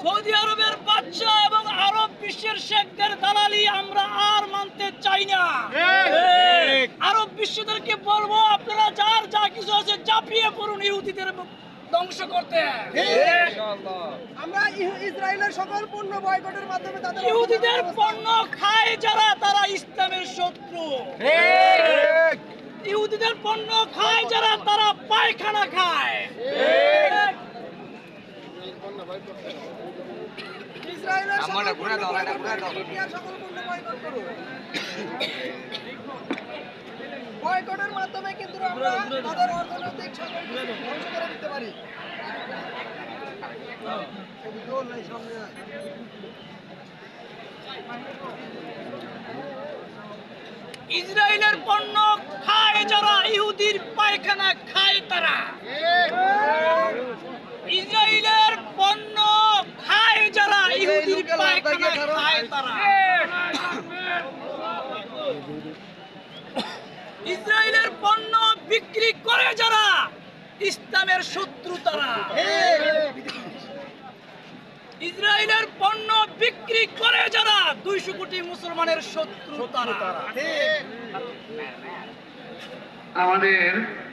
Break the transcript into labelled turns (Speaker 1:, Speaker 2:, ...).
Speaker 1: Saudi আরবের বাদশা এবং আরব বিশ্বের শেখদের দালালি আমরা আর মানতে চাই না। আরব বিশ্বদেরকে বলবো, আপনারা যার যা কিছু আছে চাপিয়ে পড়ুন ইহুদিদের ধ্বংস করতে।
Speaker 2: আমরা ইসরায়েলের সকল পণ্য বয়কটের মাধ্যমে তাদের
Speaker 1: ইহুদিদের পণ্য খায় যারা, তারা ইসলামের শত্রু। ইহুদিদের পণ্য খায় যারা, তারা পায়খানা খায়।
Speaker 2: ইসরায়েলের সকল পণ্য বয়কট করুন। বয়কটের মাধ্যমে কিন্তু আমরা তাদের অর্থনৈতিক সামগ্রী ধ্বংস করে দিতে পারি।
Speaker 1: ইসরায়েলের পণ্য খায় যারা, ইহুদির পায়খানা খায় তারা। ইসরায়েলের পণ্য খায় যারা, ইহুদির পায়খানা খায় তারা। ইসরায়েলের পণ্য বিক্রি করে যারা, ইসলামের শত্রু তারা। ইসরায়েলের পণ্য বিক্রি করে যারা, 200 কোটি মুসলমানের শত্রু তারা।
Speaker 3: আমাদের